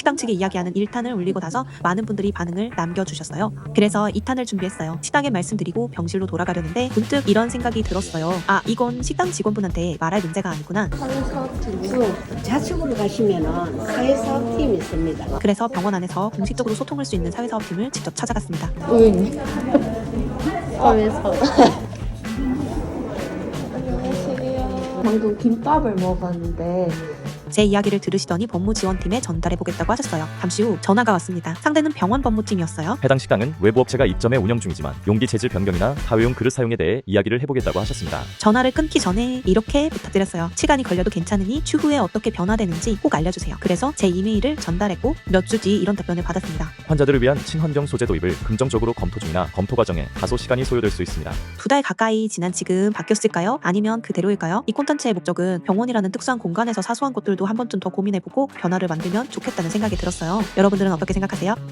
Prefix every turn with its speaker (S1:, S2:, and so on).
S1: 식당 측에 이야기하는 1탄을 올리고 나서 많은 분들이 반응을 남겨주셨어요. 그래서 2탄을 준비했어요. 식당에 말씀드리고 병실로 돌아가려는데 문득 이런 생각이 들었어요. 아, 이건 식당 직원분한테 말할 문제가 아니구나.
S2: 사회사업팀 좌측으로 가시면은 사회사업팀이 있습니다.
S1: 그래서 병원 안에서 공식적으로 소통할 수 있는 사회사업팀을 직접 찾아갔습니다.
S2: 의원님 사회사업 방금 김밥을 먹었는데
S1: 제 이야기를 들으시더니 법무지원팀에 전달해보겠다고 하셨어요. 잠시 후 전화가 왔습니다. 상대는 병원 법무팀이었어요.
S3: 해당 식당은 외부 업체가 입점해 운영 중이지만 용기 재질 변경이나 다회용 그릇 사용에 대해 이야기를 해보겠다고 하셨습니다.
S1: 전화를 끊기 전에 이렇게 부탁드렸어요. 시간이 걸려도 괜찮으니 추후에 어떻게 변화되는지 꼭 알려주세요. 그래서 제 이메일을 전달했고 몇 주 뒤 이런 답변을 받았습니다.
S3: 환자들을 위한 친환경 소재 도입을 긍정적으로 검토 중이나 검토 과정에 다소 시간이 소요될 수 있습니다.
S1: 2달 가까이 지난 지금 바뀌었을까요? 아니면 그대로일까요? 이 콘텐츠의 목적은 병원이라는 특수한 공간에서 사소한 것들도 한 번쯤 더 고민해보고 변화를 만들면 좋겠다는 생각이 들었어요. 여러분들은 어떻게 생각하세요?